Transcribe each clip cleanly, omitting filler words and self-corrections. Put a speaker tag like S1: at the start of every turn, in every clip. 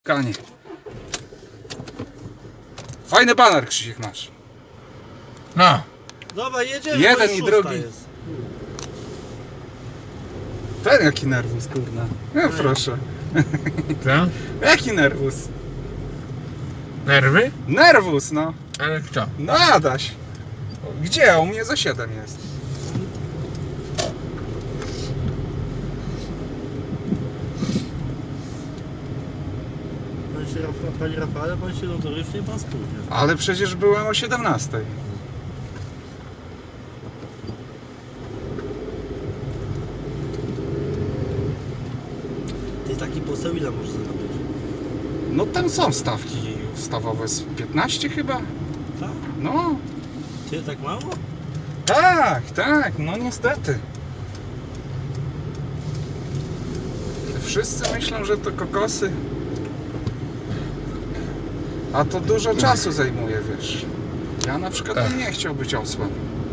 S1: spotkanie. Fajny baner, Krzysiek, masz.
S2: No.
S3: Dobra, jedziemy.
S1: Jeden i drugi.
S3: Jest.
S1: Ten jaki nerwus, kurna. No proszę.
S2: Co?
S1: Jaki nerwus?
S2: Nerwy?
S1: Nerwus, no.
S2: Ale kto?
S1: No Adaś. Gdzie? U mnie za 7 jest.
S3: Panie Rafale, pan się notorycznie pan spóźnia.
S1: Ale przecież byłem o 17.
S3: Ty taki poseł ile możesz zarobić?
S1: No tam są stawki ustawowe z 15 chyba.
S3: Tak?
S1: No.
S3: Ty tak mało?
S1: Tak, tak, no niestety. Wszyscy myślą, że to kokosy. A to dużo czasu zajmuje, wiesz. Ja na przykład bym nie chciał być osłem.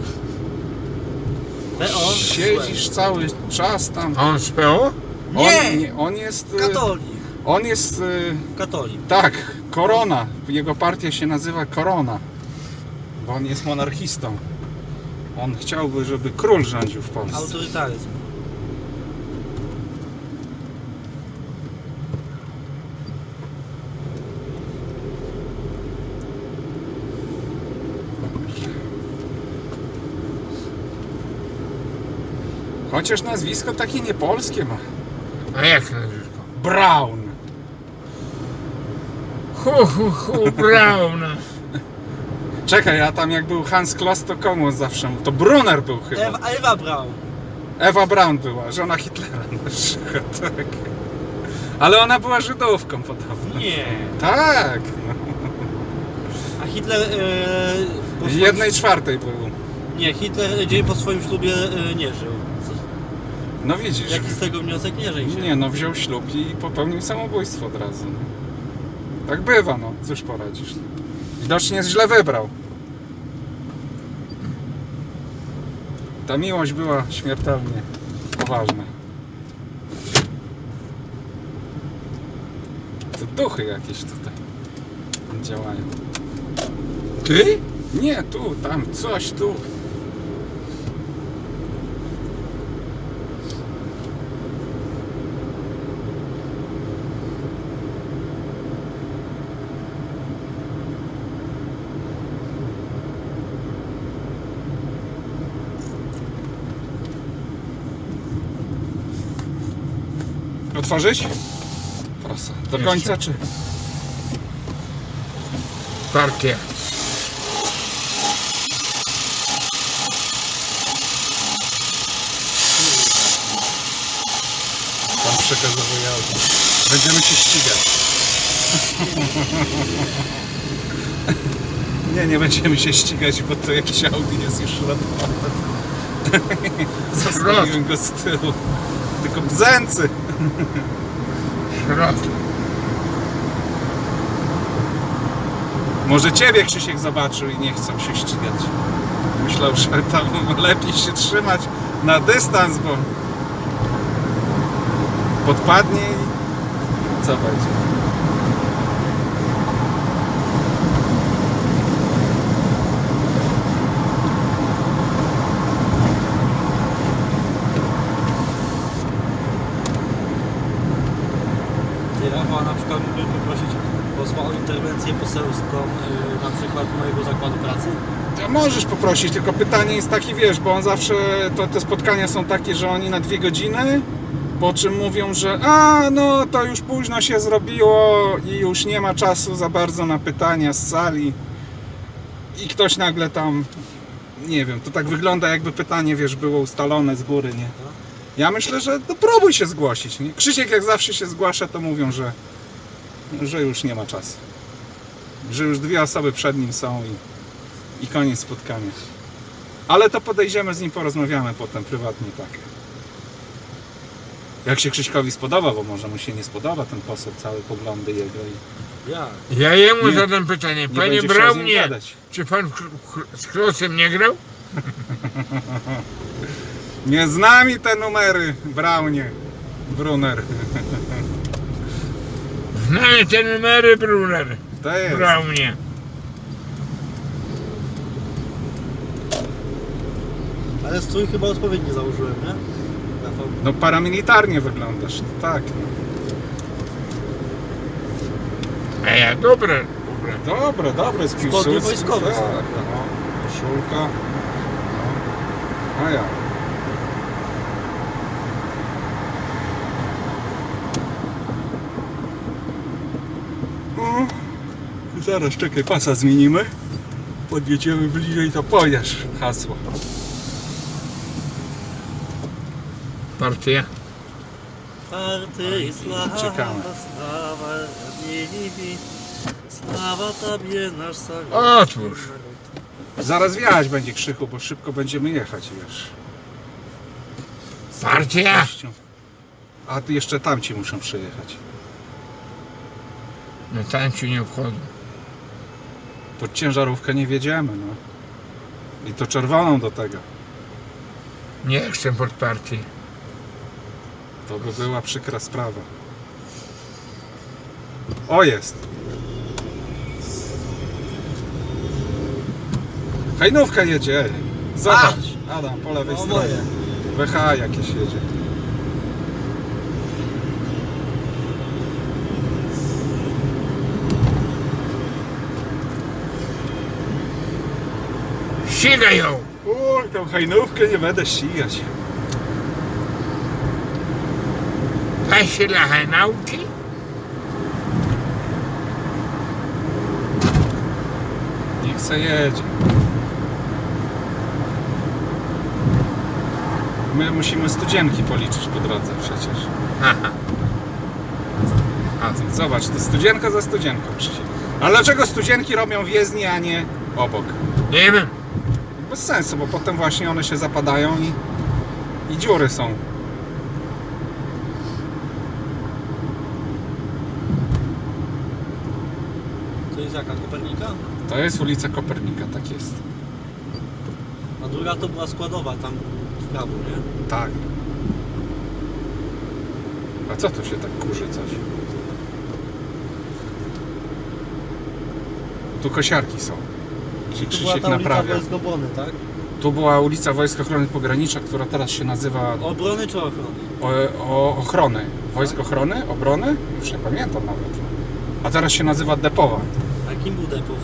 S3: PO?
S1: Siedzisz cały czas tam.
S2: A on z PO?
S1: On jest...
S3: Katolik.
S1: On jest...
S3: Katolik.
S1: Tak, Korona. Jego partia się nazywa Korona. Bo on jest monarchistą. On chciałby, żeby król rządził w Polsce.
S3: Autorytaryzm.
S1: Chociaż nazwisko takie niepolskie ma.
S2: A jak nazwisko?
S1: Braun.
S2: Braun.
S1: Czekaj, a tam jak był Hans Kloss, to komu zawsze? To Brunner był chyba.
S3: Ewa Braun.
S1: Ewa Braun była, żona Hitlera na przykład, tak. Ale ona była Żydówką podobno.
S3: Nie.
S1: Tak. No.
S3: A Hitler... po
S1: W
S3: swoim-
S1: 1/4 był.
S3: Nie, Hitler dzień po swoim ślubie nie żył.
S1: No widzisz.
S3: Jaki z tego wniosek? Nie żyj się.
S1: Nie no, wziął ślub i popełnił samobójstwo od razu. No. Tak bywa, no. Cóż poradzisz. Widocznie źle wybrał. Ta miłość była śmiertelnie poważna. To duchy jakieś tutaj działają.
S2: Ty?
S1: Nie, tu, tam, coś tu. Otworzyć? Proszę. Do
S2: Jeszcze.
S1: końca czy?
S2: Partia.
S1: Tam przekazowuje auto. Będziemy się ścigać. Nie będziemy się ścigać, bo to jakiś Audi jest już środkowy. Zostawiłem go z tyłu. Tylko bzęcy.
S2: Środ.
S1: Może ciebie Krzysiek zobaczył i nie chcą się ścigać. Myślał, że tam lepiej się trzymać na dystans, bo podpadnie i co będzie?
S3: Ty, Rafał, na przykład mógłbym poprosić posła o interwencję poselską na przykład mojego zakładu pracy?
S1: To możesz poprosić, tylko pytanie jest takie, wiesz, bo on zawsze, te spotkania są takie, że oni na 2 godziny, po czym mówią, że no to już późno się zrobiło i już nie ma czasu za bardzo na pytania z sali i ktoś nagle tam, nie wiem, to tak wygląda jakby pytanie, wiesz, było ustalone z góry, nie? Ja myślę, że no próbuj się zgłosić, nie? Krzysiek jak zawsze się zgłasza, to mówią, że już nie ma czasu, że już 2 osoby przed nim są i koniec spotkania. Ale to podejdziemy z nim, porozmawiamy potem prywatnie, tak. Jak się Krzyśkowi spodoba, bo może mu się nie spodoba ten poseł, całe poglądy jego i
S3: Ja.
S2: Ja jemu
S1: Nie.
S2: zadam pytanie.
S1: nie
S2: Panie
S1: będzie chciał z nim
S2: Braunie,
S1: gadać.
S2: czy pan z Klosem nie grał?
S1: Nie z nami te numery, Braunie, Brunner.
S2: Znamy te numery, bruder.
S1: To jest.
S2: Brał mnie.
S3: Ale strój chyba odpowiednio założyłem, nie? Rafał.
S1: No paramilitarnie wyglądasz, tak.
S2: A ja dobre.
S1: Dobre, z
S3: Spodnie
S1: Piłsudski,
S3: wojskowe
S1: tak,
S3: są.
S1: no. Koszulka. No. A ja. O, zaraz, czekaj, pasa zmienimy. Podjedziemy bliżej, to powiesz hasło.
S2: Partia.
S3: Party, sława,
S1: Czekamy.
S3: sława, niebie, sława Tobie, nasz Savior.
S2: Otwórz.
S1: Zaraz wjechać będzie, Krzychu, bo szybko będziemy jechać, wiesz.
S2: Partia.
S1: A ty jeszcze tamci muszą przyjechać.
S2: No tańcu nie wchodzą.
S1: Pod ciężarówkę nie wjedziemy, no. I to czerwoną do tego.
S2: Nie chcę pod partię.
S1: To by była przykra sprawa. O, jest. Hajnówka jedzie. Ej. Zobacz. Adam, po lewej
S3: No,
S1: stronie.
S3: moje.
S1: WH jakieś jedzie.
S2: Ścigaj ją.
S1: Uj, tą hajnówkę nie będę ścigać.
S2: Daj się dla hajnałki.
S1: Niech se jedzie. My musimy studzienki policzyć po drodze przecież.
S2: Aha.
S1: A ty, zobacz, to studzienka za studzienką, Krzysiek. Ale dlaczego studzienki robią w jezdni, a nie obok?
S2: Nie wiem.
S1: Bez sensu, bo potem właśnie one się zapadają i dziury są.
S3: To jest jaka, Kopernika?
S1: To jest ulica Kopernika, tak jest.
S3: A druga to była składowa, tam w prawo, nie?
S1: Tak. A co tu się tak kurzy coś? Tu kosiarki są. Gdzie
S3: To była
S1: Krzysiek
S3: ta ulica
S1: naprawia.
S3: Wojsk Obrony, tak?
S1: Tu była ulica Wojsk Ochrony Pogranicza, która teraz się nazywa
S3: Obrony czy ochrony?
S1: Ochrony. Wojsk Ochrony? Obrony? Już nie pamiętam nawet. A teraz się nazywa Depowa.
S3: A kim był Depow?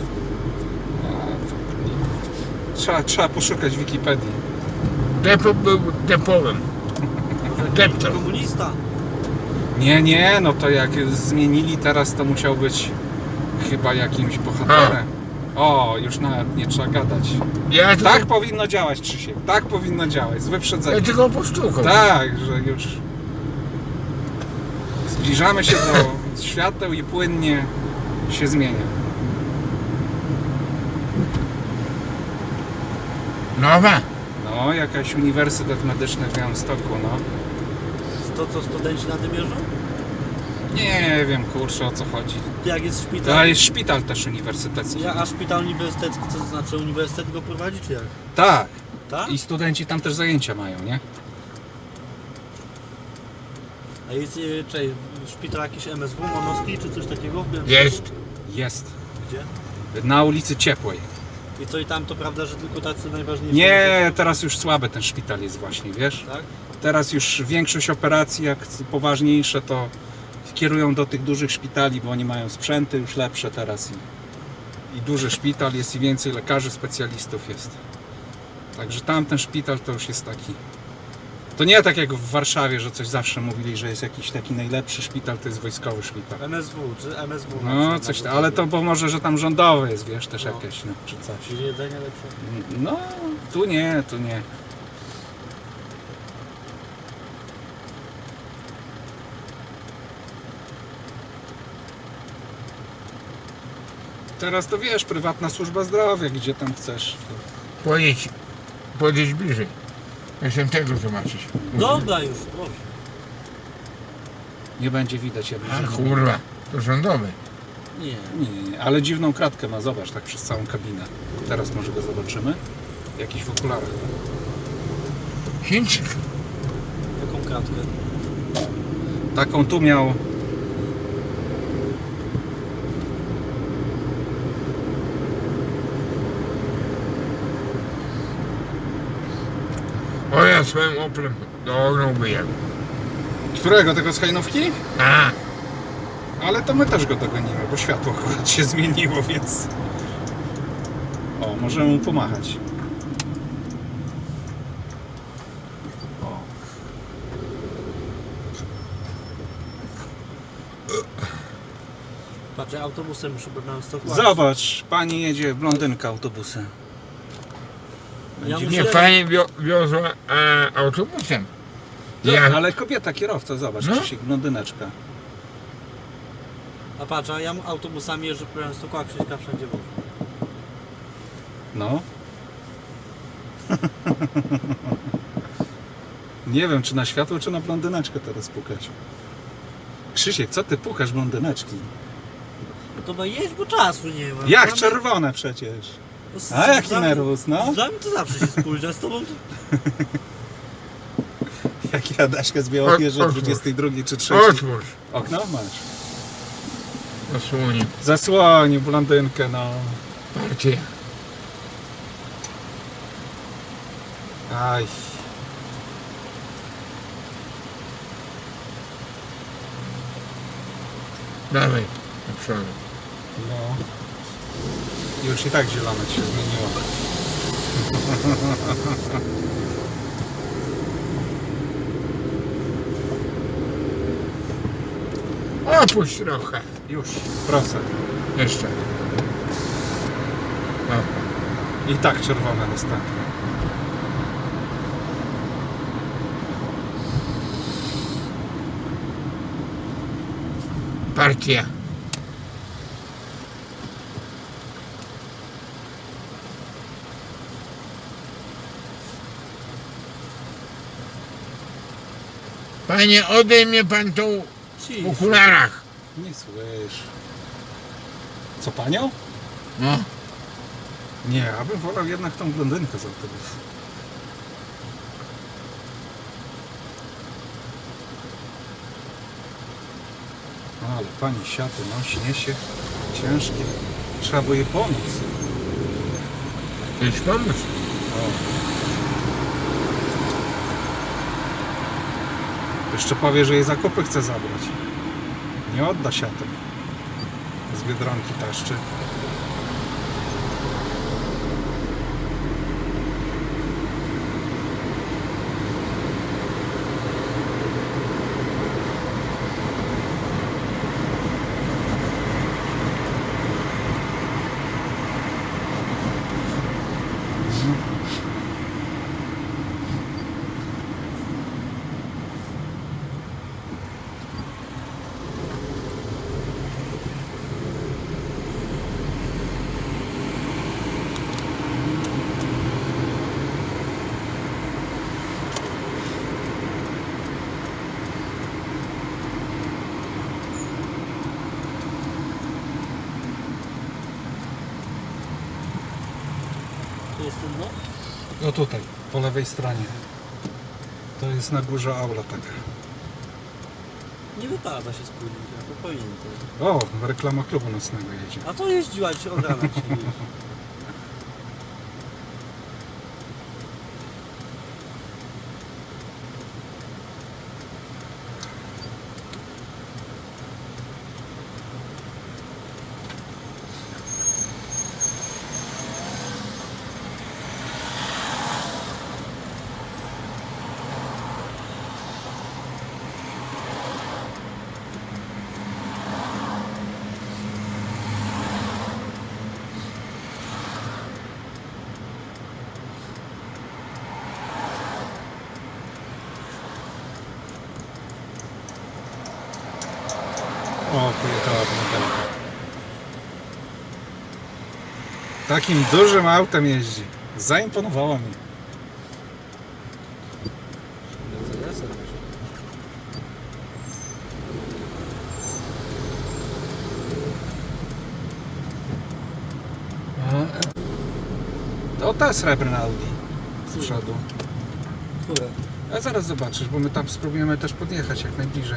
S1: Trzeba poszukać w Wikipedii.
S2: Depo był depowym. Depto.
S3: Komunista.
S1: Nie, no to jak zmienili teraz, to musiał być chyba jakimś bohaterem. O, już nawet nie trzeba gadać.
S2: Ja tylko,
S1: Tak powinno działać, Krzysiek. Tak powinno działać, z
S2: ja
S1: wyprzedzeniem.
S2: tylko postukał.
S1: Tak, że już zbliżamy się do świateł i płynnie się zmienia.
S2: Nowa.
S1: No, jakaś Uniwersytet Medyczny w Białymstoku, no.
S3: To co, studenci na tym jeżdżą?
S1: Nie wiem, kurczę, o co chodzi.
S3: Jak jest szpital?
S1: To jest szpital też uniwersytecki.
S3: A szpital uniwersytecki, co to znaczy? Uniwersytet go prowadzi, czy jak?
S1: Tak.
S3: Tak?
S1: I studenci tam też zajęcia mają, nie?
S3: A jest, szpital jakiś MSW, Monowski, czy coś takiego w Białymstoku?
S2: Jest.
S1: Jest.
S3: Gdzie?
S1: Na ulicy Ciepłej.
S3: I co, i tam to prawda, że tylko tacy najważniejsi?
S1: Nie, teraz już słaby ten szpital jest właśnie, wiesz?
S3: Tak?
S1: Teraz już większość operacji, jak poważniejsze, to kierują do tych dużych szpitali, bo oni mają sprzęty już lepsze teraz i duży szpital jest i więcej lekarzy, specjalistów jest. Także tamten szpital to już jest taki. To nie tak jak w Warszawie, że coś zawsze mówili, że jest jakiś taki najlepszy szpital, to jest wojskowy szpital.
S3: MSW, czy MSW? na
S1: No
S3: przykład,
S1: coś,
S3: na
S1: ale to bo może, że tam rządowy jest, wiesz, też
S3: No.
S1: jakieś, no, czy coś.
S3: Czyli jedzenie lepsze.
S1: No, tu nie, tu nie. Teraz to wiesz, prywatna służba zdrowia, gdzie tam chcesz.
S2: Pojedź bliżej. Jestem tego zobaczyć.
S3: Dobra już, proszę.
S1: Nie będzie widać jednej
S2: A
S1: rzeczy.
S2: kurwa, to rządowy.
S3: Nie.
S1: Nie, ale dziwną kratkę ma, zobacz, tak przez całą kabinę. Teraz może go zobaczymy. Jakiś w okularach.
S2: Chińczyk.
S3: Jaką kratkę?
S1: Taką tu miał
S2: O, ja swoim Oplem dognąłbym.
S1: Którego? Tego z hajnówki?
S2: A,
S1: Ale to my też go dogonimy, bo światło akurat się zmieniło, więc... O, możemy mu pomachać. O.
S3: Patrz, ja autobusem muszę na Stockholm.
S1: Zobacz, pani jedzie blondynka autobusem.
S3: Ja
S1: Będzie-
S2: nie,
S3: myślę-
S2: pani wiozła autobusem. Ja,
S1: Ale kobieta, kierowca, zobacz,
S2: No.
S1: Krzysiek, blondyneczka.
S3: A patrz, a ja autobusami jeżdżę po Białymstoku, a Krzyśka wszędzie wokół.
S1: No. Nie wiem, czy na światło, czy na blondyneczkę teraz pukać. Krzysiek, co ty pukasz blondyneczki?
S3: No to ma jeść, bo czasu nie ma.
S1: Jak
S3: Mamy-
S1: czerwone przecież.
S3: No, z-
S1: A jaki
S3: z-
S1: nerwus, no?
S3: Dla mnie to zawsze się spóźnia, z tobą to...
S1: Jak ja Daśkę z Białowieży
S2: Otwórz.
S1: 22 czy 3.
S2: otwórz.
S1: Okno masz.
S2: Osłonię.
S1: Zasłonił blondynkę, no.
S2: Partię.
S1: Aj.
S2: Dawaj, do przodu.
S1: No. Już i tak zielone się zmieniło.
S2: Opuść trochę.
S1: Już, proszę.
S2: Jeszcze. O,
S1: I tak czerwone następne.
S2: partia. Panie, odejmie pan tą w okularach.
S1: Nie słysz. Co panią?
S2: No,
S1: Nie, abym wolał jednak tą blondynkę z autobusu. Ale pani siaty nosi, niesie ciężkie. Trzeba by jej pomóc.
S2: chcesz pomóc?
S1: O. Jeszcze powie, że jej zakupy chce zabrać. Nie odda siatek. Z Biedronki taszczy.
S3: To jest ten, no?
S1: No tutaj, po lewej stronie. To jest na górze aula taka.
S3: Nie wypada się spóźnić, a to powinien to.
S1: O, reklama klubu nocnego jedzie.
S3: A to jeździła ci od rana ci jeździ.
S1: O, pojechała blondynka. Takim dużym autem jeździ. Zaimponowało mi.
S3: Mercedesem może.
S1: To ta srebrna Audi z przodu.
S3: Które?
S1: A zaraz zobaczysz, bo my tam spróbujemy też podjechać jak najbliżej.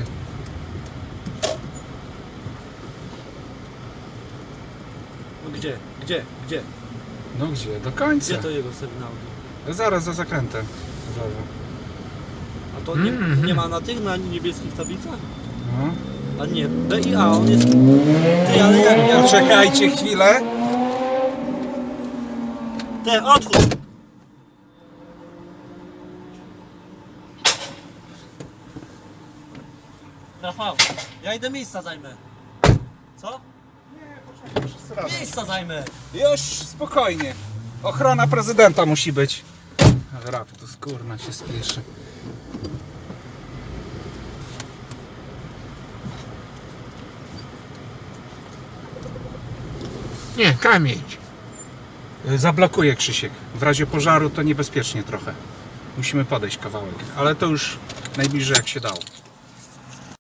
S3: No gdzie? Gdzie? Gdzie?
S1: No gdzie? Do końca.
S3: Gdzie to jego sygnał?
S1: Zaraz za zakrętem. brązowo.
S3: A to nie ma na tych, na niebieskich tablicach?
S1: No.
S3: A nie, B i A, on jest... Ty, ale jak...
S1: Poczekajcie chwilę.
S3: Te, otwórz! Rafał, ja idę miejsca zajmę. Co? Miejsca zajmę!
S1: Już spokojnie. Ochrona prezydenta musi być. Ale Rafał to skórna się spieszy.
S2: Nie, kamień.
S1: Zablokuje Krzysiek. W razie pożaru to niebezpiecznie trochę. Musimy podejść kawałek, ale to już najbliżej jak się dało.